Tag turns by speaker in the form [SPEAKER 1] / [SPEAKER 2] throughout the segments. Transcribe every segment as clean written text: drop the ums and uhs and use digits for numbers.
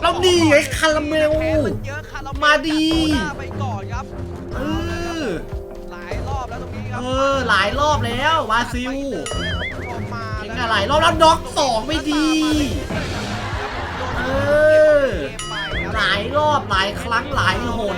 [SPEAKER 1] แล้วนี่ไอ้คาราเมล
[SPEAKER 2] เยอะคาราเมล
[SPEAKER 1] มาดี
[SPEAKER 2] ไปก่อนครับ
[SPEAKER 1] เออ
[SPEAKER 2] หลายรอบแล้วตรงนี้ครั
[SPEAKER 1] หลายรอบแล้วบราซิล
[SPEAKER 2] มา
[SPEAKER 1] เก่งอะไรรอบแล้วน็อก2ไม่ดี เออ หลายรอบหลายครั้งหลายหน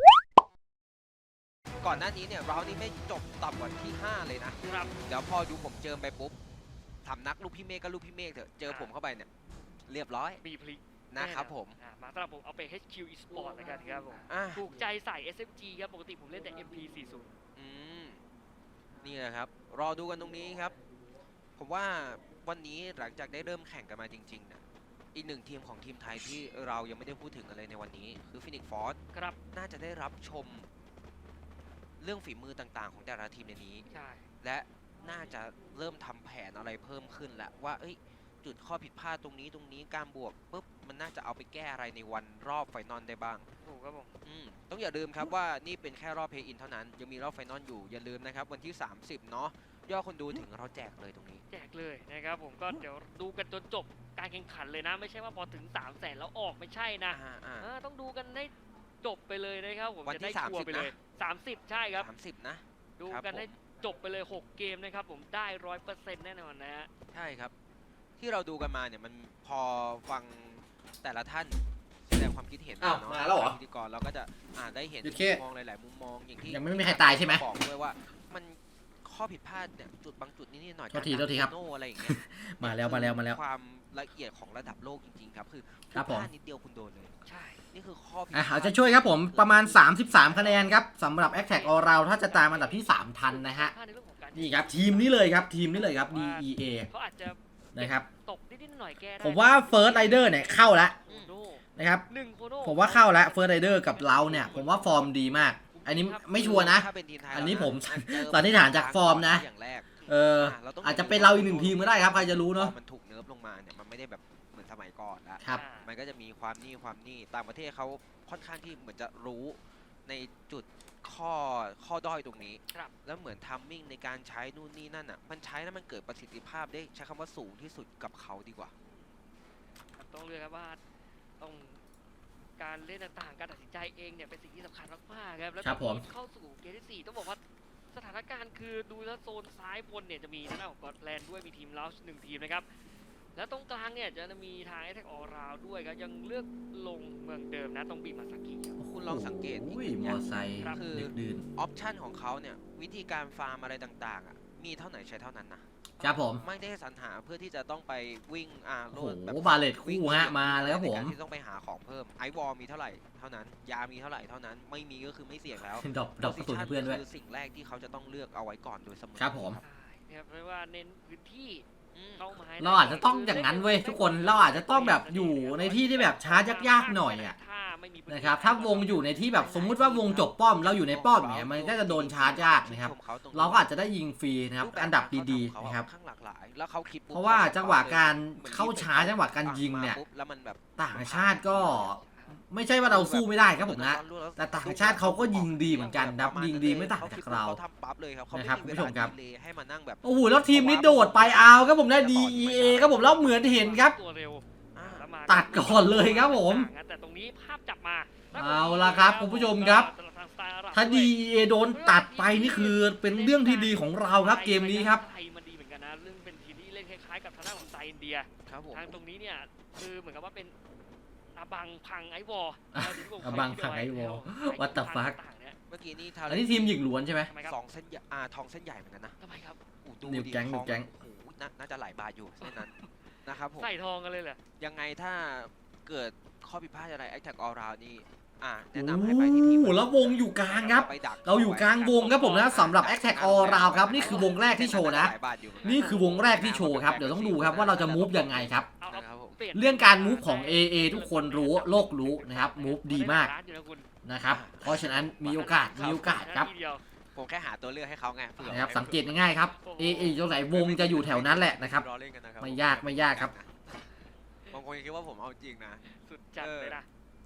[SPEAKER 2] ก่อนหน้านี้เนี่ยเรานี่ไม่จบต่ำกว่าที่ 5 เลยนะครับ เดี๋ยวพอดูผมเจอไปปุ๊บทำนักลูกพี่เมฆก็ลูกพี่เมฆเถอะเจอผมเข้าไปเนี่ยเรียบร้อย
[SPEAKER 3] มีพลิก
[SPEAKER 2] นะครับผม
[SPEAKER 3] มาสำหรับผมเอาไป HQ Esport แล้วกันครับผม
[SPEAKER 2] อ่ะ
[SPEAKER 3] ถูกใจใส่ SMG ครับปกติผมเล่นแต่ MP40
[SPEAKER 2] อืมนี่แหละครับ รอดูกันตรงนี้ครับ ผมว่าวันนี้หลังจากได้เริ่มแข่งกันมาจริงๆนะอีกหนึ่งทีมของทีมไทยที่เรายังไม่ได้พูดถึงกันเลยในวันนี้คือฟินิกฟอร์ส
[SPEAKER 3] ครับ
[SPEAKER 2] น่าจะได้รับชมเรื่องฝีมือต่างๆ ของแต่ละทีมในนี้
[SPEAKER 3] ใช่
[SPEAKER 2] และน่าจะเริ่มทำแผนอะไรเพิ่มขึ้นแล้วว่าเอ้ยจุดข้อผิดพลาดตรงนี้การบวกปุ๊บมันน่าจะเอาไปแก้อะไรในวันรอบไฟนอลได้บ้าง
[SPEAKER 3] ถูกครับผม
[SPEAKER 2] ต้องอย่าลืมครับว่านี่เป็นแค่รอบเพย์อินเท่านั้นยังมีรอบไฟนอลอยู่อย่าลืมนะครับวันที่ 30 เนาะยอดคนดูถึงเราแจกเลยตรงนี้
[SPEAKER 3] แจกเลยนะครับผมก็เดี๋ยวดูกันจนจบการแข่งขันเลยนะ ไม่ใช่ว่าพอถึง 300,000 แล้วออกไม่ใช่นะต้องดูกันให้จบไปเลยนะครับผม
[SPEAKER 2] วัน
[SPEAKER 3] จะ
[SPEAKER 2] ที่
[SPEAKER 3] ได้ชัวร์
[SPEAKER 2] 30
[SPEAKER 3] ไปเลย 30 ใช่ครับ
[SPEAKER 2] 30 นะ
[SPEAKER 3] ดู
[SPEAKER 2] ครับ
[SPEAKER 3] กันให้
[SPEAKER 2] ผม
[SPEAKER 3] จบไปเลย 6 เกมนะครับผมได้ 100% แน่นอนนะฮะ
[SPEAKER 2] ใช่ครับ ที่เราดูกันมาเนี่ยมันพอฟังแต่ละท่านแสดงความคิดเห็น
[SPEAKER 1] อ้าว
[SPEAKER 2] เนาะ
[SPEAKER 1] มาแล้วเหรอ
[SPEAKER 2] พิธีกรเราก็จะได้เห็น
[SPEAKER 1] โอเค
[SPEAKER 2] มุมมองหลายๆมุมมองอย่างที่
[SPEAKER 1] ยังไม่มีใครตายใช่ไหม
[SPEAKER 2] บอกด้วยว่ามันข้อผิดพลาดเนี่ยจุดบางจุดนิดๆหน่อยๆ
[SPEAKER 1] โทษทีครับ
[SPEAKER 2] โนอะไรอย่างเงี้ย
[SPEAKER 1] มาแล้ว
[SPEAKER 2] ความละเอียดของระดับโลกจริงๆครับคือ
[SPEAKER 1] ครับผม
[SPEAKER 2] พลาดนิดเดียวคุณโดนเลย
[SPEAKER 3] ใช่
[SPEAKER 2] นี่คือข้อผิดพ
[SPEAKER 1] อ่ะ
[SPEAKER 2] ลาด
[SPEAKER 1] เอาจะช่วยครับผมประมาณ 33 คะแนนครับสำหรับ a t t a c k All Round ถ้าจะตามอันดับที่ 3 ทันนะฮะ
[SPEAKER 3] พลาดในเรื่องของการ
[SPEAKER 1] นี่ครับทีมนี้เลยครับทีมนี้เลยครับ DEA
[SPEAKER 3] เขาอาจจะ
[SPEAKER 1] นะครับ
[SPEAKER 3] ตกนิดๆหน่อยๆแก้ได้
[SPEAKER 1] ผมว่า First Rider เนี่ยเข้าแล้ว
[SPEAKER 3] โคโน่
[SPEAKER 1] นะครับ
[SPEAKER 3] 1 โคโน่
[SPEAKER 1] ผมว่าเข้าแล้ว First Rider กับเราเนี่ย ผมว่าฟอร์มดีมาก อันนี้ไม่ชัวร์นะ
[SPEAKER 2] ถ้าเป็นทีมไทย
[SPEAKER 1] อันนี้ผม
[SPEAKER 2] แล้วะ
[SPEAKER 1] สันนิษฐานจากฟอร์มนะ
[SPEAKER 2] อย่างแรก เราต้อง
[SPEAKER 1] อาจจะเป็นเราอีกหนึ่งทีมก็ได้ครับ ใครจะรู้เนาะ
[SPEAKER 2] พอมันถูกเนิร์ฟลงมาเนี่ยมันไม่ได้แบบเหมือนสมัยก่อนละ
[SPEAKER 1] ครับ
[SPEAKER 2] มันก็จะมีความนี่ต่างประเทศเขาค่อนข้างที่เหมือนจะรู้ในจุดข้อด้อยตรงนี้
[SPEAKER 3] ครับ
[SPEAKER 2] แล้วเหมือนทัมมิ่งในการใช้นู่นนี่นั่นอ่ะมันใช้แล้วมันเกิดประสิทธิภาพได้ใช้คำว่าสูงที่สุดกับเขาดีกว่า
[SPEAKER 3] ต้องเลือกครับว่าต้องการเล่นต่างๆการตัดสินใจเองเนี่ยเป็นสิ่งที่สำคัญมากๆครับแล้ว
[SPEAKER 1] ครับผม
[SPEAKER 3] เข้าสู่เกมที่ 4 ต้องบอกว่าสถานการณ์คือดูแล้วโซนซ้ายบนเนี่ยจะมีทางด้านของกอตแลนด์ด้วยมีทีมลาวส์1 ทีมนะครับแล้วตรงกลางเนี่ยจะมีทางแอตแทกออราวด้วยครับยังเลือกลงเมืองเดิมนะตรงบีมาซากิครับ
[SPEAKER 2] คุณลองสังเกตอีก
[SPEAKER 1] อุ้ย
[SPEAKER 2] หนึ่ง
[SPEAKER 1] ม
[SPEAKER 2] อ
[SPEAKER 1] อย่าง ไซค์
[SPEAKER 3] ครับ
[SPEAKER 1] ดึกดื่น
[SPEAKER 2] ออปชันของเขาเนี่ยวิธีการฟาร์มอะไรต่างๆอ่ะมีเท่าไหนใช้เท่านั้นนะครับ
[SPEAKER 1] ผม
[SPEAKER 2] ไม่ได้สรรหาเพื่อที่จะต้องไปวิ่งโล
[SPEAKER 1] โอ้
[SPEAKER 2] ด
[SPEAKER 1] โห
[SPEAKER 2] แบบ
[SPEAKER 1] บาเลตคู่ฮะมาแล้วครับผม
[SPEAKER 2] ในการที่ต้องไปหาของเพิ่มไอวอลมีเท่าไหร่เท่านั้น ยามีเท่าไหร่เท่านั้นไม่มีก็คือไม่เสี่ยงแล้ว
[SPEAKER 1] ดอกกระสุนให้เพื่อนด้วย
[SPEAKER 2] คือสิ่งแรกที่เขาจะต้องเลือกเอาไว้ก่อนโดยเสมอ
[SPEAKER 1] ครับผม
[SPEAKER 3] ใช่นะครับไม่ว่าเน้นพื้นที่เข้ามาให้
[SPEAKER 1] เราอาจจะต้องอย่างนั้นเว้ยทุกคนเราอาจจะต้องแบบอยู่ในที่ที่แบบช้ายากๆหน่อยอ่ะ
[SPEAKER 3] ถ้าไม่มีพื้
[SPEAKER 1] นะครับถ้าวงอยู่ในที่แบบสมมุติว่าวงจบป้อมเราอยู่ในป้อมเนี่ยมันก็จะโดนชาร์จยากนะครับ เราก็อาจจะได้ยิงฟรีนะครับอันดับดีๆนะครับ
[SPEAKER 2] ข้างหลากหลายแล้วเขาคิดปุ๊บ
[SPEAKER 1] เพราะว่าจังหวะการเข้าช้าจังหวะการยิงเนี่ย
[SPEAKER 2] ปุ๊บแล้วมันแบบ
[SPEAKER 1] ต่างชาติก็ไม่ใช่ว่าเราสู้ไม่ได้ครับผมนะ แต่ต่างชาติเขาก็ยิงดีเหมือนกันครับยิงดีไม่ต่างจากเรา
[SPEAKER 2] ทำปั๊บเลยครับเขา
[SPEAKER 1] นะครับ
[SPEAKER 2] ไม่
[SPEAKER 1] คุณผู้ชมครับ
[SPEAKER 2] ดีเลย์ให้มานั่งแบบ
[SPEAKER 1] โอ้โหแล้วทีมนี้โดดไปเอาครับผมนะ DEA ครับผมแล้วเหมือนเห็นครับ
[SPEAKER 3] ตัวเร็วแล้วมา
[SPEAKER 1] ตัดก่อนเลยครับผม
[SPEAKER 3] แต่ตรงนี้ภาพจับมา
[SPEAKER 1] เอาละครับคุณผู้ชมครับ ถ้า DEA โดนตัดไปนี่คือเป็นเรื่องที่ดีของเราครับเกมนี้ครับ
[SPEAKER 3] ไทยมันดีเหมือนกันนะเรื่องเป็นทีมที่เล่นคล้ายๆกับทางด้านของไซอินเดีย
[SPEAKER 2] ครับผม
[SPEAKER 3] ทางตรงนี้เนี่ยคือเหมือนกับว่าเป็นอาบังพังไอวอล
[SPEAKER 1] อาบังพังไอวอล What the fuck
[SPEAKER 2] เมื่อกี้นี่
[SPEAKER 1] อันนี้ทีมหญิงล้วนใช่ไหม
[SPEAKER 3] ทำไมครับ
[SPEAKER 2] สองเส้นใหญ่ทองเส้นใหญ่เหมือนกันนะ
[SPEAKER 3] ทำไมครับ
[SPEAKER 2] ดู
[SPEAKER 1] นิว
[SPEAKER 2] ดิ
[SPEAKER 1] แก๊ง
[SPEAKER 2] ท
[SPEAKER 1] นิวแก๊ง
[SPEAKER 2] โอ้โหน่าจะหลายบาทอยู่เส้นนั้นนะครับผม
[SPEAKER 3] ใส่ทองกันเลยเหรอ
[SPEAKER 2] ยังไงถ้าเกิดข้อผิดพลาดอะไร Attack All Round นี่แนะ
[SPEAKER 1] โอ้
[SPEAKER 2] นำให้ไปที่ทีม
[SPEAKER 1] โหแล้ววงอยู่กลางครับ
[SPEAKER 2] ไปดัก
[SPEAKER 1] เราอยู่กลางวงครับผมนะสำหรับ Attack All Round ครับนี่คือวงแรกที่โชว์นะ
[SPEAKER 2] หลายบาทอยู่เหมืกั
[SPEAKER 1] นี่คือวงแรกที่โชว์ครับเดี๋ยวต้องดูครับว่าเราจะมูฟยังไงครับ
[SPEAKER 3] เอา
[SPEAKER 2] นะครับผม
[SPEAKER 3] ปลี่ยน
[SPEAKER 1] เรื่องการมูฟของ AA ทุกคนรู้โลกรู้นะครับมูฟดีมาก
[SPEAKER 3] ร้นอยู่นะคุณ
[SPEAKER 1] นะครับเพราะฉะนั้นมีโอกาสครับ
[SPEAKER 3] ทีเดียว
[SPEAKER 2] ผมแค่หาตัวเลือกให้เขาไงเผื่อ
[SPEAKER 1] นะครับสังเกตง่ายๆครับ AA ตรงไหนวงจะอยู่แถวนั้นแหละนะครับ
[SPEAKER 2] รอเล่นกันนะครับ
[SPEAKER 1] ไม่ยากครับ
[SPEAKER 2] บางคนคิดว่าผมเอาจริงนะ
[SPEAKER 3] สุดจัดเลยนะ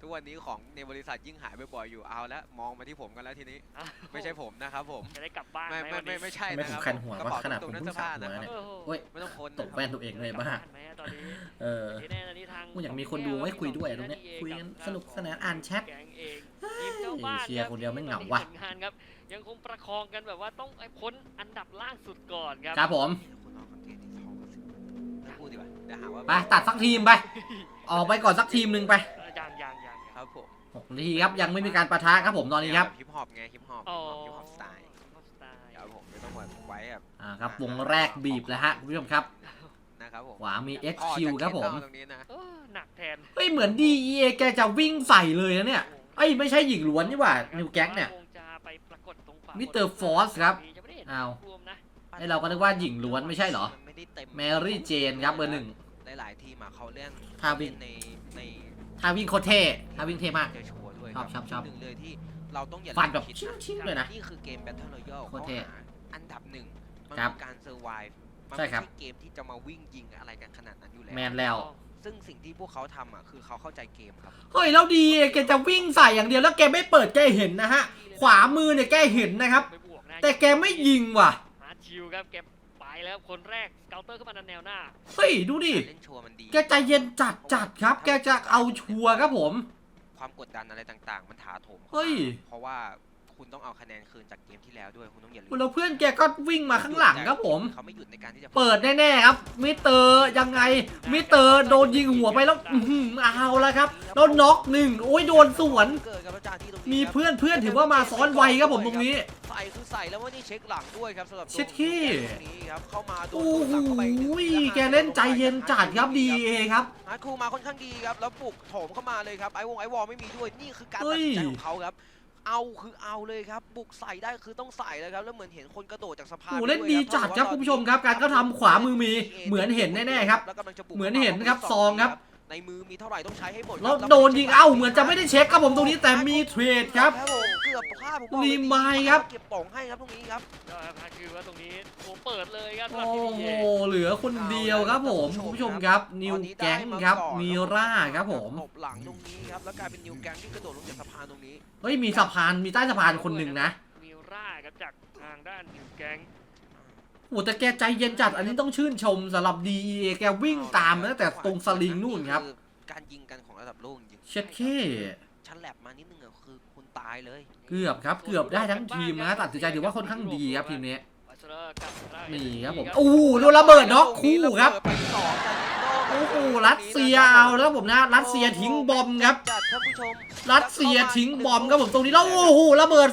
[SPEAKER 2] ทุกวันนี้ของในบริษัทยิ่งหายบ่อยๆอยู่เอาแล้วมองมาที่ผมกันแล้วทีนี้
[SPEAKER 3] อ้าว
[SPEAKER 2] ไม่ใช่ผมนะครับผม
[SPEAKER 3] จะได้กลับบ้าน
[SPEAKER 2] ไม่
[SPEAKER 3] ไหมวันนี้
[SPEAKER 2] ไม่ใช่
[SPEAKER 1] ไม่
[SPEAKER 2] นะ
[SPEAKER 1] ผ
[SPEAKER 2] ค
[SPEAKER 1] ม
[SPEAKER 2] รับ
[SPEAKER 1] คันหัว
[SPEAKER 2] กระ
[SPEAKER 1] ว่า
[SPEAKER 2] เป๋า
[SPEAKER 1] ขนาด
[SPEAKER 2] ต
[SPEAKER 1] ผ
[SPEAKER 2] ร
[SPEAKER 1] ม
[SPEAKER 2] งนั้น
[SPEAKER 1] เพิ่
[SPEAKER 2] เสื้
[SPEAKER 1] ง
[SPEAKER 2] อ
[SPEAKER 1] สระ
[SPEAKER 2] ผ้า
[SPEAKER 1] หัว
[SPEAKER 2] นะ
[SPEAKER 1] เนี่ย
[SPEAKER 3] โอ้โห
[SPEAKER 1] เฮ้ย
[SPEAKER 2] ไม่ต้องคน
[SPEAKER 1] ตกแว่นตัวเองเลยบ้า
[SPEAKER 3] ไหมอะตอนนี้
[SPEAKER 1] เออ
[SPEAKER 3] ทีแน่ตอนนี้ทาง
[SPEAKER 1] กูอยากมีคนดูให้คุยด้วยตรงเนี้ยคุยกันสนุกสนานอ่านแชท
[SPEAKER 3] แกงเองทีมเจ้าบ้าน
[SPEAKER 1] เชียร์คนเดียวไม่เหงาว่ะ
[SPEAKER 3] ผลงานครับยังคงประคองกันแบบว่าต้องไอ้พ้นอันดับล่างสุดก่อนครับ
[SPEAKER 1] ครับผม
[SPEAKER 2] คุณน้องคอนเทนต์ที่ทองกันสิไม่พูดดีกว่าเดี๋ยวหาว่า
[SPEAKER 1] ไปตัดสักทีมไป ออกไปก่อนสักทีมหนึ่งไป
[SPEAKER 3] ยัง
[SPEAKER 2] ครับผม
[SPEAKER 1] 6 นาทีครับยังไม่มีการปะทะครับผมตอนนี้ครับ
[SPEAKER 2] ฮิปฮอปไงฮิปฮอป
[SPEAKER 3] อ๋อ
[SPEAKER 2] ฮิปฮอปสไตล์
[SPEAKER 3] สไตล์
[SPEAKER 2] ครับผมไม่ต้องมาไว้แบบ
[SPEAKER 1] ครับวงแรกบีบแล้วฮะคุณผู้ชมครับ
[SPEAKER 2] นะครับผม
[SPEAKER 1] ขวามี
[SPEAKER 2] พ่อ
[SPEAKER 1] XQ
[SPEAKER 2] จะ
[SPEAKER 1] ครับผม
[SPEAKER 2] เข็นเอาตรงนี้นะ
[SPEAKER 3] เออหนักแทน
[SPEAKER 1] เฮ้ยเหมือน DEA แกจะวิ่งใส่เลยนะเนี่ยเอ้ยไม่ใช่หญิงล้วนนี่หว่านิวแก๊งเนี่ย
[SPEAKER 3] คงจะไปปรากฏตรงขวา
[SPEAKER 1] มิสเตอร์ฟอสครับ
[SPEAKER 3] จะไม่ได้เห็น
[SPEAKER 1] อ้าว
[SPEAKER 3] รวมนะ
[SPEAKER 1] ไอเราก็นึกว่าหญิงล้วนไม่ใช่เหรอ
[SPEAKER 2] มันไม่ได้เต็ม
[SPEAKER 1] แมรี่เจนครับเบอร์
[SPEAKER 2] หลายๆทีมอะเขาเล่น
[SPEAKER 1] ท่าวิ่ง
[SPEAKER 2] ใน
[SPEAKER 1] 1ถ้าวิ่งโคตรเท่ถ้าวิ่งเท่มาก
[SPEAKER 2] จะชัวร์ด้วย
[SPEAKER 1] ชอบ
[SPEAKER 2] หนึ่งเลยที่เราต้องอย่า
[SPEAKER 1] ฟันแบบ
[SPEAKER 2] คิด
[SPEAKER 1] ชิ้นๆเลยนะ
[SPEAKER 2] นี่คือเกม Battle Royale
[SPEAKER 1] โคตรเท่
[SPEAKER 2] เขาหาอันดับหนึ่งมัน
[SPEAKER 1] ครับ
[SPEAKER 2] คือการเซอร์ไวฟ์มัน
[SPEAKER 1] ใช่
[SPEAKER 2] ไม่
[SPEAKER 1] ครับ
[SPEAKER 2] ใช่เกมที่จะมาวิ่งยิงอะไรกันขนาดนั้นอยู่แล้ว
[SPEAKER 1] แมนแล้ว
[SPEAKER 2] ซึ่งสิ่งที่พวกเขาทำอ่ะคือเขาเข้าใจเกมครับ
[SPEAKER 1] เฮ้ยแล้วดีแกจะวิ่งใส่อย่างเดียวแล้วแกไม่เปิดแกเห็นนะฮะ ขวามือเนี่ยแกเห็นนะครับ
[SPEAKER 3] ไปบวกนะ
[SPEAKER 1] แต่แกไม่ยิงว่ะ
[SPEAKER 3] ฮาร์ดชิลครับแกไปแล้วคนแรกสเกลเตอร์ขึ้นมาดันแนวหน้า
[SPEAKER 1] เฮ้ยดูดิ
[SPEAKER 2] เล่นชัวร์มันดี
[SPEAKER 1] แกใจเย็นจัดครับ แกจะเอาชัวร์ครับผม
[SPEAKER 2] ความกดดันอะไรต่างๆ มันถาโถมข้ามา
[SPEAKER 1] เฮ้ย
[SPEAKER 2] เพราะว่าคุณต้องเอาคะแนนคืนจากเกมที่แล้วด้วยคุณต้องอย่าลืม
[SPEAKER 1] แล้วเพื่อนแกก็วิ่งมาข้างหลังครับผม
[SPEAKER 2] เขาไม่หยุดในการที่จะ
[SPEAKER 1] เปิดแน่ๆครับ มิสเตอร์ยังไง มิสเตอร์โดนยิงหัวไปแล้วเอาแล้วครับแล้วน็อกหนึ่งโอ้ยโดนสวน
[SPEAKER 2] เกิดกับอาจารย์ที่ตรงนี้
[SPEAKER 1] มี
[SPEAKER 2] ครับ
[SPEAKER 1] เพื่อนถือว่ามาซ้อนไวครับผมตรงนี้
[SPEAKER 2] ใส่คือใส่แล้วว่านี่เช็คหลังด้วยครับสำหรับตัว
[SPEAKER 1] เช็ดขี้
[SPEAKER 2] ตรงนี้ครับเข้ามาโดน
[SPEAKER 1] โอ้
[SPEAKER 2] หลังเข้าไปอีกหนึ่ง
[SPEAKER 1] โห
[SPEAKER 2] ทีล้ว
[SPEAKER 1] แกเล่นใจเย็นจัดครับดีเอครับ
[SPEAKER 2] ฮาร์ดคูมาค่อนข้างดีครับแล้วปลุกโถมเข้ามาเลยครับไอวอลไม่มีด้วยนี่คือการตัดสินใจของเขาครับเอาคือเอาเลยครับบุกใส่ได้คือต้องใส่เลยครับแล้วเหมือนเห็นคนกระโดดจากสะพาน
[SPEAKER 1] โอ้เล่นดีจัดครับคุณผู้ชมครับการเข้าทำขวามือมีเหมือนเห็นแน่ๆครับ
[SPEAKER 2] แล้วกำลังจะบุก
[SPEAKER 1] เหมือนเห็นครับซองครับ
[SPEAKER 2] ในมือมีเท่าไหร่ต้องใช้ให้หมด
[SPEAKER 1] แล้วโดนยิงเอ้าเหมือนจะไม่ได้เช็คครับผมตรงนี้แต่มีเทรดครับ
[SPEAKER 2] ผมเกือบพลาดผมบอกเลย
[SPEAKER 1] รีมายครับ
[SPEAKER 2] เก็บป่องให้ครับตรงนี้ครับ
[SPEAKER 3] ก็ฮาร์ดชิลว่าตรงนี้โอ้เปิดเลยครับสำหรับ
[SPEAKER 1] โอ้
[SPEAKER 3] ทีม
[SPEAKER 1] โห
[SPEAKER 3] เอ
[SPEAKER 1] เหลือคนเดียวครับผมคุณผู้ชมครับนิวแก๊งครับมีร่าครับผม
[SPEAKER 2] ตบหลังตรงนี้ครับแล้วกลายเป็นนิวแก๊งที่กระโดดลงจากสะพานตรงนี้
[SPEAKER 1] เฮ้ยมีสะพานมีใต้สะพานคนหนึ่งนะ
[SPEAKER 3] มิร่าครับจากทางด้านนิวแก๊ง
[SPEAKER 1] โอ้แต่แกใจเย็นจัดอันนี้ต้องชื่นชมสำหรับ DEA แกวิ่งตามมาตั้งแต่ตรงสลิงนู่นครับ
[SPEAKER 2] อการยิงกันของระดับโลกจริง
[SPEAKER 1] เช็ดเข้
[SPEAKER 2] ชั้นแลบมานิดนึงอะคือคุณตายเลย
[SPEAKER 1] เกือบครับเกือบได้ทั้งทีมนะตัดสินใจถือว่าค่อนข้างดีครับทีมนี้
[SPEAKER 3] วัชระกับทางด้า
[SPEAKER 1] นี่ครับผม
[SPEAKER 3] เอ
[SPEAKER 1] โอ้โหโดนระเบิดน็อกคู่ครับ
[SPEAKER 2] ไปสองกัน
[SPEAKER 1] โอ้โหรัสเซียเอาแล้วผมนะรัสเซียทิ้งบอมครับ
[SPEAKER 2] จัดท่านผู้ชม
[SPEAKER 1] รัสเซียทิ้งบอมครับผมตรงนี้แล้วโอ้โหระเบิด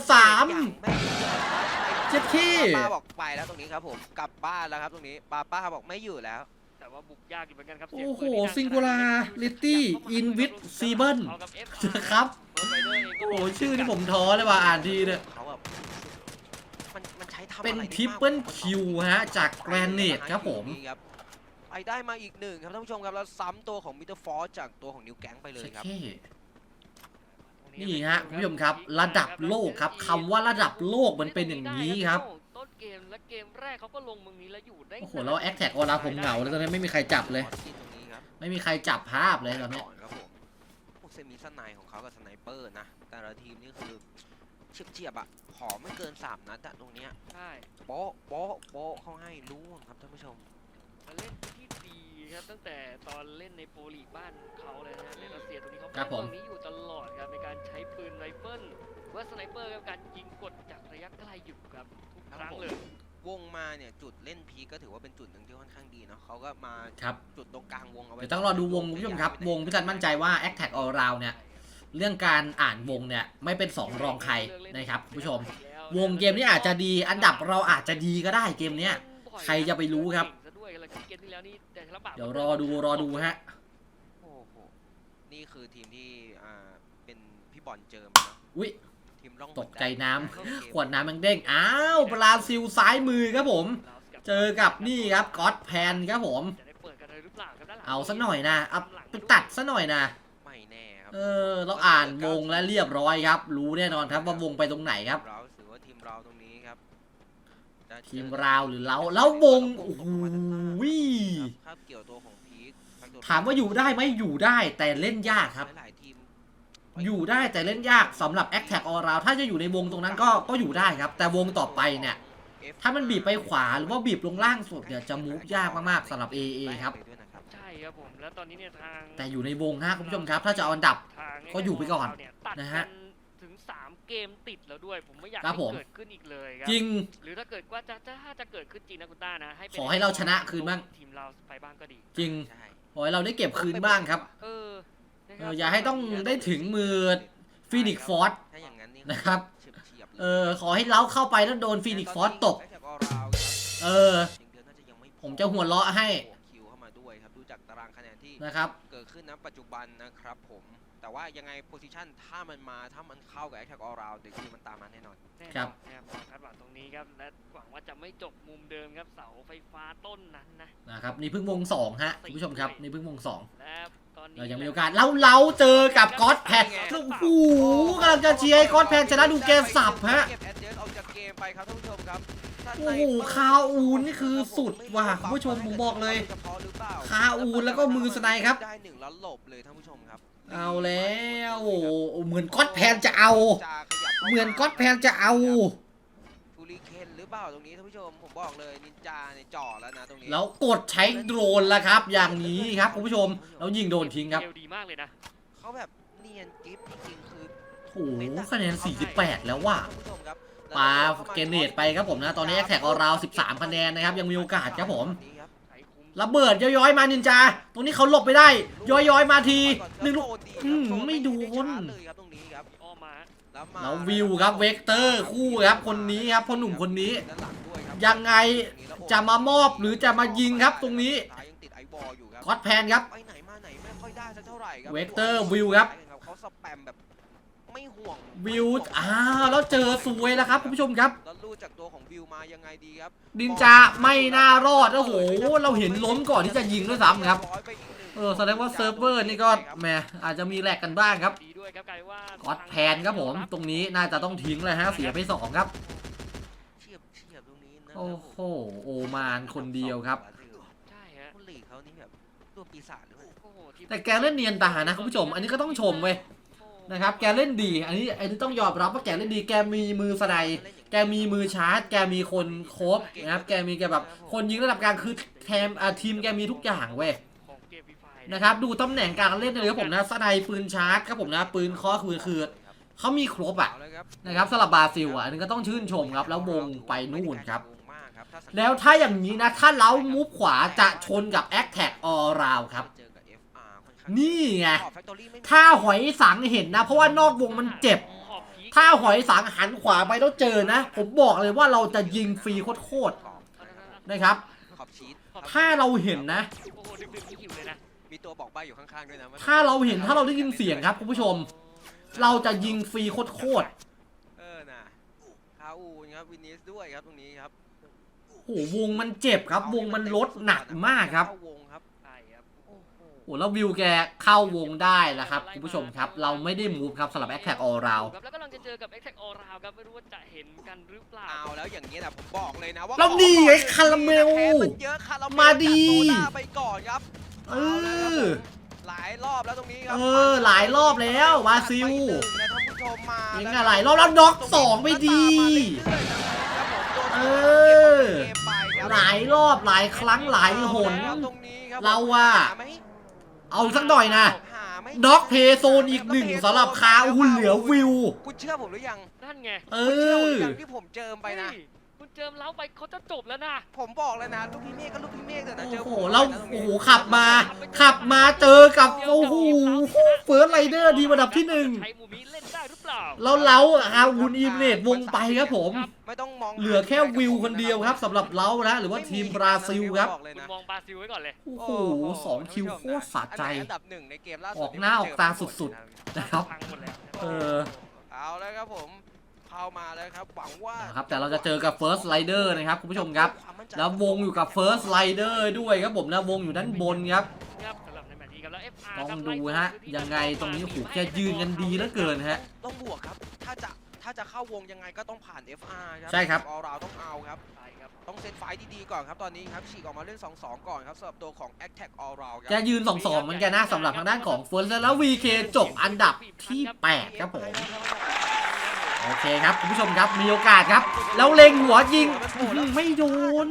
[SPEAKER 1] 3 เจ็ดขี้
[SPEAKER 2] ป้าบอกไปแล้วตรงนี้ครับผมกลับบ้านแล้วครับตรงนี้ป้าบอกไม่อยู่แล้ว
[SPEAKER 3] แต่ว่าบุกยากอยู่เหมือนกันครับ
[SPEAKER 1] โอ้โห
[SPEAKER 3] เสียงปืนที่ดัง
[SPEAKER 1] Singularity Invis Seaburn
[SPEAKER 3] เอากับ F
[SPEAKER 1] ครับ
[SPEAKER 3] เบิร์ดไรเดอร์เองก็
[SPEAKER 1] โอ้โหชื่อที่ผมท้อเลยว่ะอ่านทีเนี่ย
[SPEAKER 2] เขาแบบมันใช้ทำอะไร
[SPEAKER 1] เป็น
[SPEAKER 2] ได้มาก
[SPEAKER 1] ทริปเปิลคิวฮะจากแกรนเนตครับผม
[SPEAKER 2] ไปได้มาอีกหนึ่งครับท่านผู้ชมครับแล้วซ้ำตัวของมิเตอร์ฟอร์จากตัวของนิวแก๊งไปเลย
[SPEAKER 1] เช็ด
[SPEAKER 2] ครับ
[SPEAKER 1] เข้นี่ฮะคุณผู้ชมครับระดับโลกครับคำว่าระดับโลกมันเป็นอย่างนี้ครับ
[SPEAKER 3] ต้นเกมและเกมแรกเขาก็ลงเมืองนี้แล้วอยู่ได้
[SPEAKER 1] โอ้โหแล้วแอคแท็กออร่าผมเหงาแล้วตอนนี้ไม่มีใครจับเลย
[SPEAKER 2] ตรงนี้ครับ
[SPEAKER 1] ไม่มีใครจับภาพเลยตอนนี้
[SPEAKER 2] ครับผมพวกเซมิสไนของเขากับสไนเปอร์นะแต่ละทีมนี่คือเฉียบๆอ่ะขอไม่เกิน3 นัดอะตรงเนี้ย
[SPEAKER 3] ใช่
[SPEAKER 2] โป๊ะโป๊ะโป๊ะเขาให้รู้ครับท่านผู้ชม
[SPEAKER 3] มาเล่นที่ดีครับตั้งแต่ตอนเล่นในโปรลีกบ้านเขาเลยนะในรัสเซียตรงนี้เขา
[SPEAKER 1] ครับผม
[SPEAKER 3] ตรงนี้อยู่ตลอดครับในการใช้ปืนไรเฟิลว่าสไนเปอร์กับการยิงกดจากระยะไกลอยู่ครับทุกครั้งเลย
[SPEAKER 2] วงมาเนี่ยจุดเล่นพีคก็ถือว่าเป็นจุดหนึ่งที่ค่อนข้างดีเนาะเขาก็มา
[SPEAKER 1] ครับ
[SPEAKER 2] จุดตรงกลางวงเอาไว้
[SPEAKER 1] เดี๋ยวต้องรอดูวงคุณผู้ชมครับ วงพิจันมั่นใจว่า a c t a c All Round เนี่ย เรื่องการอ่านวงเนี่ย ไม่เป็น2รองใครนะครับคุณผู้ชม วงเกมนี้อาจจะดีอันดับเราอาจจะดีก็ได้เกมเนี้ย ใครจะไปรู้ครับ เดี๋ยวรอดูฮะ
[SPEAKER 2] โอ้โหนี่คือทีมที่เป็นพี่บอลเจิมเนาะ
[SPEAKER 1] อุ๊ย
[SPEAKER 2] ทีมร่อง
[SPEAKER 1] ตกใจน้ำขวดน้ำมันเด้งอ้าวบราซิลซ้ายมือครับผม เจอกับนี่ครับก็อดแพนครับผม
[SPEAKER 3] จะได้เปิดกันเลยหรือเปล่าครับด้านหลัง
[SPEAKER 1] เอาซะหน่อยนะเอาไปตัดซะหน่อยนะ
[SPEAKER 2] ไม่แน่ครับ
[SPEAKER 1] เราอ่านวงแล้วเรียบร้อยครับ รู้แน่นอนครับว่าวงไปตรงไหนครับ
[SPEAKER 2] เราถือว่าทีมเราตรงนี้ครับจะ
[SPEAKER 1] ทีมราวหรือเราแล้ววงโอ้โห
[SPEAKER 2] ครับเกี่ยวตัวของพีค
[SPEAKER 1] ถามว่าอยู่ได้ไหมอยู่ได้แต่เล่นยากครับ
[SPEAKER 2] หลายๆทีม
[SPEAKER 1] อยู่ได้แต่เล่นยากสำหรับ Attack All Round ถ้าจะอยู่ในวงตรงนั้นก็อยู่ได้ครับแต่วงต่อไปเนี่ยถ้ามันบีบไปขวาหรือว่าบีบลงล่างสุดเนี่ยจะมูฟยากมากๆสำหรับ AA ครับ
[SPEAKER 3] ใช่ครับผมแล้วตอนนี้เนี่ยทาง
[SPEAKER 1] แต่อยู่ในวงฮะคุณผู้ชมครับถ้าจะเอาอันดับ
[SPEAKER 3] ทาง
[SPEAKER 1] ก็อยู่ไปก่อน
[SPEAKER 3] เนี่ยตัด
[SPEAKER 1] นะ
[SPEAKER 3] กั
[SPEAKER 1] ฮะ
[SPEAKER 3] นถึง3เกมติดแล้วด้วยผมไม่อยาก
[SPEAKER 1] ครับ
[SPEAKER 3] ให้
[SPEAKER 1] ผม
[SPEAKER 3] เกิดขึ้นอีกเลยครั
[SPEAKER 1] จริง
[SPEAKER 3] หรือถ้าเกิดว่าถ้าจะเกิดขึ้นจริงนะคุณต้านะให้ป็น
[SPEAKER 1] ขอให้เราชนะคืนบ้าง
[SPEAKER 3] ทีมเราไปบ้างก็ดี
[SPEAKER 1] จริง
[SPEAKER 2] ใช่
[SPEAKER 1] ขอให้เราได้เก็บคืนบ้างครับ
[SPEAKER 3] นะครั
[SPEAKER 1] อย่าให้ต้องได้ถึงมือฟีนิกฟอร์ส
[SPEAKER 2] ถ้าอย่างนั้นนี่
[SPEAKER 1] นะครับ
[SPEAKER 2] เฉียบๆเลย
[SPEAKER 1] ขอให้เล้าเข้าไปแล้วโดนฟีนิกฟอร์สตบ เออ ผมจะหัวเราะให้
[SPEAKER 2] คิวเข้ามาด้วยครับดูจากตารางคะแนนที่
[SPEAKER 1] นะครับ
[SPEAKER 2] เกิดขึ้นณปัจจุบันนะครับผมแต่ว่ายังไงโพซิชันถ้ามันเข้ากับ Attack All Round เดี๋ยวคือมันตามมาแน่นอน
[SPEAKER 3] แน่นอน
[SPEAKER 1] ครับ
[SPEAKER 3] นะครับคาดหวังตรงนี้ครับและหวังว่าจะไม่จบมุมเดิมครับเสาไฟฟ้าต้นนั้นนะ
[SPEAKER 1] นะครับนี่เพิ่งวง2ฮะคุณผู้ชมครับนี่เพิ่งวง2
[SPEAKER 3] และตอนนี้
[SPEAKER 1] เรายังมีโอกาสเราเจอกับก๊อตแพนโอ้โหกำลังจะเชียร์ให้ก๊อตแพนชนะดูเกมสับฮะ
[SPEAKER 2] เก็บแอดเจสออกจากเกมไปครับท่านผู้ชมครับ
[SPEAKER 1] โอ้โหคาอูนนี่คือสุดว่ะคุณผู้ชมผมบอกเลยคาอูนแล้วก็มือสไนครับ
[SPEAKER 2] ได้หนึ่งแล้วหลบเลยท่านผู้ชมครับ
[SPEAKER 1] เอาแล้วโอ้โหเหมือนก๊อตแพนจะเอา เหมือนก๊อตแพนจะเอา
[SPEAKER 2] ฟูริเคนหรือเปล่าตรงนี้ท่านผู้ชมผมบอกเลยนินจาเนี่ยจ่อแล้วนะตรงนี้
[SPEAKER 1] แล้วกดใช้โดรนแล้วครับ อย่างนี้ครับคุณผู้ชมแล้วยิงโดนทิ้งครับ
[SPEAKER 3] เกมดีมากเลยนะ
[SPEAKER 2] เขาแบบเนียนกิฟจริงๆคือ
[SPEAKER 1] โอ้โหคะแนน48แล้วว่ะ
[SPEAKER 2] ท่านผู้ชมครับ
[SPEAKER 1] ปาเกเนตไปครับผมนะตอนนี้แอคแท็กออราว13คะแนนนะครับยังมีโอกาสครับผมระเบิดย้อยๆมานินจาตรงนี้เขาหลบไปได้ย้อยๆมาทีหนึ่งลูกไม่โดน
[SPEAKER 3] อ้อมมา
[SPEAKER 1] แล้ววิวครับเวกเตอร์คู่ครับคนนี้ครับพ่อหนุ่มคนนี้ ยังไงจะมามอบหรือจะมายิงครับตรงนี้ก๊อตแพนครับ
[SPEAKER 2] ไปไหนมาไหนไม่ค่อยได้สักเท่าไหร่ครับ
[SPEAKER 1] เวกเตอร์วิวครับ
[SPEAKER 2] เขาสแปมแบบไม่ห่วง
[SPEAKER 1] วิวแล้วเจอสวยแล้วครับคุณผู้ชมครับ
[SPEAKER 2] แล้วลู่จากตัวของวิวมายังไงดีครับ
[SPEAKER 1] นินจาไม่น่ารอดโอ้โหเราเห็นล้มก่อนที่จะยิงด้วยซ้ำครับแสดงว่าเซิร์ฟเวอร์นี่ก็แหมอาจจะมีแลกกันบ้างครับ
[SPEAKER 3] ดีด้วยครับกลายว่า
[SPEAKER 1] ก๊อตแพนครับผมตรงนี้น่าจะต้องทิ้งเลยฮะเสียไป2ครับ
[SPEAKER 2] เฉียบตรงนี้นะ
[SPEAKER 1] โอ้โหโอมานคนเดียวครับ
[SPEAKER 3] ใช่ฮะ
[SPEAKER 2] คุณหลีกเขานี่แบบตัวปีศาจหรือเปล่า
[SPEAKER 3] โอ้โหทีม
[SPEAKER 1] แต่แกเล่นเนียนตานะคุณผู้ชม อันนี้ก็ต้องชมเว้ยนะครับแกเล่นดีอันนี้ต้องยอมรับว่าแกเล่นดีแกมีมือสไนด์แกมีมือชาร์จแกมีคนโคบนะครับแกมีแกแบบคนยิงระดับกลางคือทีมแกมีทุกอย่างเว้ย
[SPEAKER 3] ของเกมฟรีไฟล์
[SPEAKER 1] นะครับดูตำแหน่งการเล่นเลยครับผมนะสไนด์ปืนชาร์จครับผมนะปืนเคอคือเขามีครบอ่ะ
[SPEAKER 2] เอาเลยครับ
[SPEAKER 1] นะครับสำหรับบราซิลอ่ะอันนี้ก็ต้องชื่นชมครับแล้ววงไปนู่นครับแล้วถ้าอย่างนี้นะถ้าเล้ามุฟขวาจะชนกับ Attack All Round ครับ
[SPEAKER 2] เจอกับ FR ค่อนข้าง
[SPEAKER 1] นี่ไง
[SPEAKER 2] Factory ไม่มี
[SPEAKER 1] ถ้าหอยสังเห็นนะเพราะว่านอกวงมันเจ็บ
[SPEAKER 3] ขอบพีค
[SPEAKER 1] ถ้าหอยสังหันขวาไปแล้วเจอนะ ผมบอกเลยว่าเราจะยิงฟรีโคตรๆนะครับ
[SPEAKER 2] ขอบชีส
[SPEAKER 1] ถ้าเราเห็นนะ
[SPEAKER 3] โอ้โหดึกๆนี่หิวเลยนะ
[SPEAKER 2] มีตัวบอกใบ้อยู่ข้างๆด้วยนะ
[SPEAKER 1] ถ้าเราเห็นถ้าเราได้ยินเสียงครับคุณผู้ชม เราจะยิงฟรีโคตร
[SPEAKER 2] นะคาอูนครับวินิสด้วยครับตรงนี้ครับ
[SPEAKER 1] ๆโอ้โหวงมันเจ็บครับ วงมันลดหนักมากครับ
[SPEAKER 2] เข้าวงครับ
[SPEAKER 3] ใช่ครับ
[SPEAKER 2] โอ้โห
[SPEAKER 1] โอ้แล้ววิวแกเข้าวงได้แล้วครับคุณผู้ชมครับ เราไม่ได้มูฟครับสำหรับ Attack All Round
[SPEAKER 3] ครับแล้วกำลังจะเจอกับ Attack All Round ครับไม่รู้ว่าจะเห็นกันหรือเปล่า
[SPEAKER 2] เอาแล้วอย่างนี้นะผมบอกเลยนะว่า
[SPEAKER 1] แล้วนี่ไงคาราเมล
[SPEAKER 2] มันเยอะคาราเมล
[SPEAKER 1] มาดี
[SPEAKER 2] จากโซดาไปก่อนครับ
[SPEAKER 1] เอ
[SPEAKER 2] เอาแล้วครับ
[SPEAKER 1] อ
[SPEAKER 2] ผมหลายรอบแล้วตรงนี้ครั
[SPEAKER 1] หลายรอบแล้วบราซิล
[SPEAKER 2] ไปหนึ่งนะท่านผู้ชมมา
[SPEAKER 1] ยิงอะไรรอบแล้วน็อก2ไปดี เออ หลายรอบหลายครั้งหลายหน เราว่า เอาสักหน่อยนะน็อกเพย์โซนอีกหนึ่งสำหรับคาอูเหลือวิว
[SPEAKER 2] คุณเชื่อผมหรือยัง
[SPEAKER 3] นั่นไง
[SPEAKER 1] เอ
[SPEAKER 2] คุณเชื่อผมห
[SPEAKER 1] อ
[SPEAKER 2] รือยังที่ผมเจิมไปนะ
[SPEAKER 3] เฮ้ยคุณเจิมเล้าไปเขาจะจบแล้วนะ
[SPEAKER 2] ผมบอกเลยนะลูกพี่เมฆก็ลูกพี่เมฆเถอะนะเจอ
[SPEAKER 1] โอ้
[SPEAKER 2] ผ
[SPEAKER 1] โห
[SPEAKER 2] ม
[SPEAKER 1] แล้ว
[SPEAKER 2] นะตรง
[SPEAKER 1] โอ้
[SPEAKER 2] นี้
[SPEAKER 1] โหขับมาเจอกับโอ้โหเฟิร์สไรเดอร์ดีระดับที่หนึ่ง
[SPEAKER 3] ใช้มูมิเล่นได้หรือเปล่า
[SPEAKER 1] แล้วเล้าฮาวูนอีเมดวงไปครับผม
[SPEAKER 2] ไม่ต้องมอง
[SPEAKER 1] เหลือแค่วิวคนเดียวครับสำหรับเล้านะหรือว่าทีมบราซิลครับ
[SPEAKER 2] อกเลย
[SPEAKER 3] คุณ
[SPEAKER 2] นะ
[SPEAKER 3] มองบราซิลไว้ก่อนเลย
[SPEAKER 1] โอ้โห2 คิวโคตรสะใจ
[SPEAKER 2] อันดับหนึ่งในเกมล่าสุด
[SPEAKER 1] ออกหน้าออกตาสุด นะครับ
[SPEAKER 3] พังหมดแล้ว
[SPEAKER 1] เออ
[SPEAKER 2] เอาแล้วครับผมเข้ามาแล้วครับหวังว่า
[SPEAKER 1] นะครับแต่เราจะเจอกับ First Rider นะครับคุณผู้ชมครับ แล้ววงอยู่กับ First Rider ด้วยครับผมนะวงอยู่ด้านบนครับ
[SPEAKER 3] ครับสำหรับในแมตช์นี้ครับแล้ว FR
[SPEAKER 1] ต้อง
[SPEAKER 3] ครับ
[SPEAKER 1] ดูฮะยังไงตรงนี้โอ้โหแกยืนกันดีเหลือเกินฮะ
[SPEAKER 2] ต้องบวกครับถ้าถ้าจะเข้าวงยังไงก็ต้องผ่าน FR ครับ
[SPEAKER 1] ใช่ครับ
[SPEAKER 2] ออลราวต้องเอาครับ
[SPEAKER 3] ใช่ครับ
[SPEAKER 2] ต้องเซตไฟต์ดีๆก่อนครับตอนนี้ครับฉีกออกมาเล่น 2-2 ก่อนครับสำหรับตัวของ Attack All Round ค
[SPEAKER 1] จะ
[SPEAKER 2] รับ
[SPEAKER 1] ยืน 2-2 เหมือนกันนะสำหรับทางด้านของเฟิร์สแล้ว VK จบอันดับที่ 8 ครับผม โอเคครับคุณผู้ชมครับมีโอกาสครับ แล้วเล็งหัวยิงไม่โดน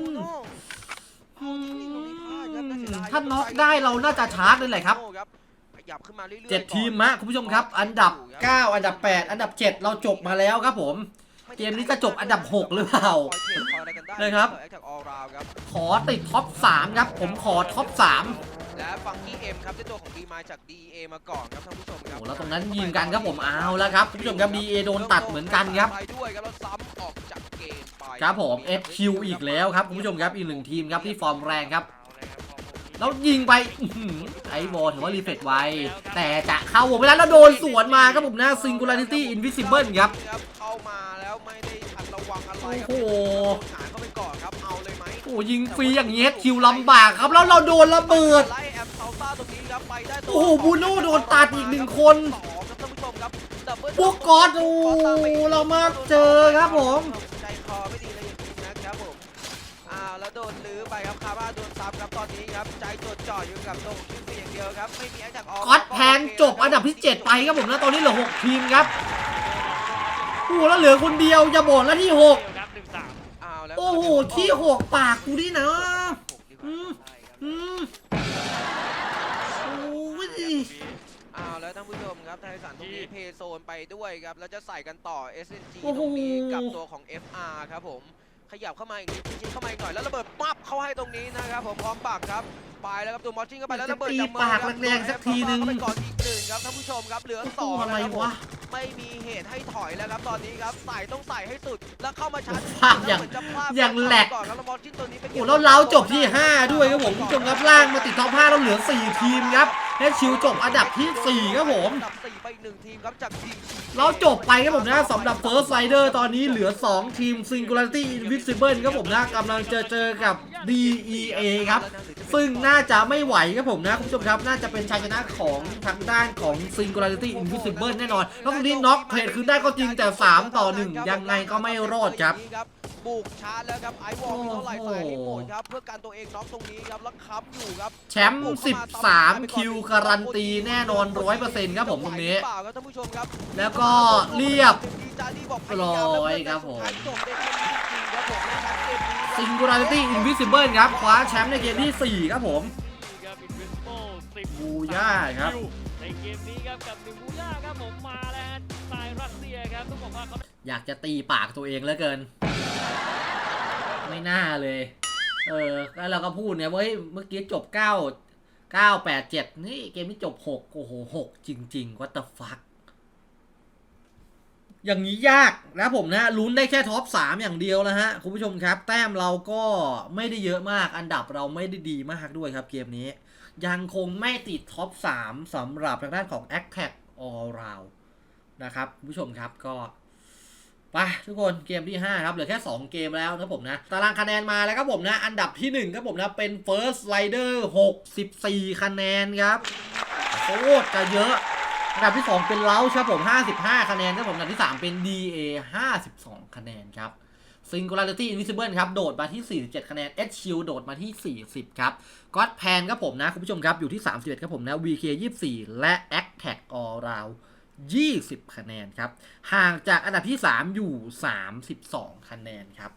[SPEAKER 1] ถ้าน็อกได้เราน่าจะชาร์จเลยแหละครับ
[SPEAKER 2] ขยับขึ้นมาเรื่อยๆ
[SPEAKER 1] 7 ทีมฮะคุณผู้ชมครับ อันดับ 9 อันดับ 8 อันดับ 7 เราจบมาแล้วครับผม เกมนี้จะจบอันดับ 6 หรือเปล่า นะครับ ขอติดท็อป 3 ครับ ผมขอท็อป 3
[SPEAKER 2] และฟังกี้เอ็มครับเจ้าตัวของดีมาจาก DEA มาก่อนครับท่านผู้ชมครับ
[SPEAKER 1] โอ้แล้วตรงนั้นยิงกันครับผมเอาแล้วครับคุณผู้ชมครับ BA โดนตัดเหมือนกันครับ
[SPEAKER 2] ไปด้วยครับแล้วซ้ำออกจากเกมไป
[SPEAKER 1] ครับผม FQ อีกแล้วครับคุณผู้ชมครับอีก 1 ทีมครับที่ฟอร์มแรงครับ แล้วยิงไปไอ้บอลถือว่ารีเฟกไวแต่จะเข้าวงไปแล้วแล้วโดนสวนมาครับผมนะ Singularity Invisible ครับ
[SPEAKER 2] เข้ามาแล้วไม่ได้ทันระวังอะไร
[SPEAKER 1] โอ้โห
[SPEAKER 2] หาเข้าไปก่อนครับเอาเลยไหม
[SPEAKER 1] โอ้ยิงฟรีอย่างเงี้ยคิวลำบากครับแล้วเราโดนระเบิด
[SPEAKER 2] ไล่แอมเซาต้าตรงนี้ครับไปได้ตัว
[SPEAKER 1] โอ้โหบูโน่โดนตัดอีก 1 คน
[SPEAKER 2] สองครับท่านผู้ชมครับดับเบิ้ล
[SPEAKER 1] พวกกอดโอ้เรามาเจอครับผม
[SPEAKER 2] ใจคอไม่ดีเลยอย่างนี้นะครับผมแล้วโดนลื้อไปครับคาร่าโดนซ้ำครับตอนนี้ครับใจจดจ่ออยู่กับตรงคิวฟรีอย่างเดียวครับไม่มีแอคแท็กออก
[SPEAKER 1] กอดแพงจบอันดับที่ 7 ไปครับผมนะตอนนี้เหลือ 6 ทีมครับโอ้โหแล้วเหลือคนเดียวอย่าบ่นแล้วที่ 6
[SPEAKER 3] ครับ1-3
[SPEAKER 2] แล้ว
[SPEAKER 1] โอ้โหที่ 6 ปากกูนี่นะอืมอืมโอ้ย
[SPEAKER 2] แล้วท่านผู้ชมครับไทสันตรงนี้เพย์โซนไปด้วยครับแล้วจะใส่กันต่อ SNG
[SPEAKER 1] โอ้
[SPEAKER 2] ต
[SPEAKER 1] โห
[SPEAKER 2] รงนี้กับตัวของ FR ครับผมขยับเข้ามาอีกนิดชิดเข้ามาอีกหน่อยแล้วระเบิดปั๊บเข้าให้ตรงนี้นะครับผมพร้อมปักครับไปแล้วครับตัวมอสซิ่งเข้าไปแล้วระเบิดจากมือครับ
[SPEAKER 1] แรงๆสักทีนึง
[SPEAKER 2] เข้าไปก่อนอีกหนึ่งครับท่านผู้ชมครับเหลือสอง
[SPEAKER 1] อะไร
[SPEAKER 2] นะครับผม
[SPEAKER 1] วะ
[SPEAKER 2] ไม่มีเหตุให้ถอยแล้วครับตอนนี้ครับใส่ต้องใส่ให้สุดแล้วเข้ามาชาร์จ
[SPEAKER 1] ภาพอย่าง
[SPEAKER 2] เหมือนจะพลาด
[SPEAKER 1] อย่างแหลก
[SPEAKER 2] ก่อนแล้วมอสซิ่งตัวนี้ไป
[SPEAKER 1] โอ้แล้วเราจบที่ 5 ด้วยครับผมคุณผู้ชมครับล่างมาติดท็อป 5 แล้วเหลือ 4 ทีมครับเฮดชิวจบอันดับที่ 4 ครับผม
[SPEAKER 2] อันดับ4ไปอีก1ทีมครับจากทีม
[SPEAKER 1] เราจบไปครับผมนะสำหรับ First Rider ตอนนี้เหลือ 2 ทีม Singularity Invisible ครับผมนะกำลังเจอกับ DEA ครับ ซึ่งน่าจะไม่ไหวครับผมนะคุณผู้ชมครับน่าจะเป็นชัยชนะของทางด้านของ Singularity Invisible แน่นอนแล้วตรงนี้น็อกเทรดคืนได้ก็จริงแต่ 3-1 ยังไงก็ไม่รอดครับ
[SPEAKER 2] บุกชาร์จแล้วครับไอวอลมีเท่าไหร่ใส่ให้หมดครับเพื่อการตัวเองน็อกตรงนี้ครับแล้วค้ำอยู่ครับ
[SPEAKER 1] แชมป์13 คิวการันตีแน่นอน 100% ครับผมตรงนี้ แล้วก็เรียบร้อยครับผม Singularity Invisible ครับคว้าแชมป์ในเกมที่ 4 ครับผม
[SPEAKER 3] ครับ Invisible 10
[SPEAKER 1] บูย่าครับ
[SPEAKER 3] ในเกมนี้ครับกับ1บูย่าครับผมมาแล้วฮะสายรัสเซียครับต้องบอกว่าเขา
[SPEAKER 1] อยากจะตีปากตัวเองเหลือเกิน ไม่น่าเลย แล้วเราก็พูดเนี่ยว่าเมื่อกี้จบ 9-8-7 นี่เกมนี้จบ 6 โอ้โห 6 จริงๆ what the fuck อย่างนี้ยากนะผมนะลุ้นได้แค่ท็อป 3 อย่างเดียวนะฮะ คุณผู้ชมครับ แต้มเราก็ไม่ได้เยอะมาก อันดับเราไม่ได้ดีมากด้วยครับเกมนี้ ยังคงไม่ติดท็อป 3 สำหรับทางด้านของ Attack All Round นะครับคุณผู้ชมครับก็ไปทุกคนเกมที่ 5 ครับเหลือแค่ 2 เกมแล้วนะผมนะตารางคะแนนมาแล้วครับผมนะอันดับที่ 1 ครับผมนะเป็น First Rider 64 คะแนนครับโคตรจะเยอะอันดับที่ 2 เป็นเล้าครับผม55 คะแนนครับผมอันดับที่ 3 เป็น DA 52 คะแนนครับ Singularity Invisible ครับโดดมาที่ 47 คะแนน HQ โดดมาที่ 40 ครับ God Pan ครับผมนะคุณผู้ชมครับอยู่ที่ 31 ครับผมนะ VK 24 และ Attack All Round 20 คะแนนครับห่างจากอันดับที่ 3 อยู่ 32 คะแนนครับ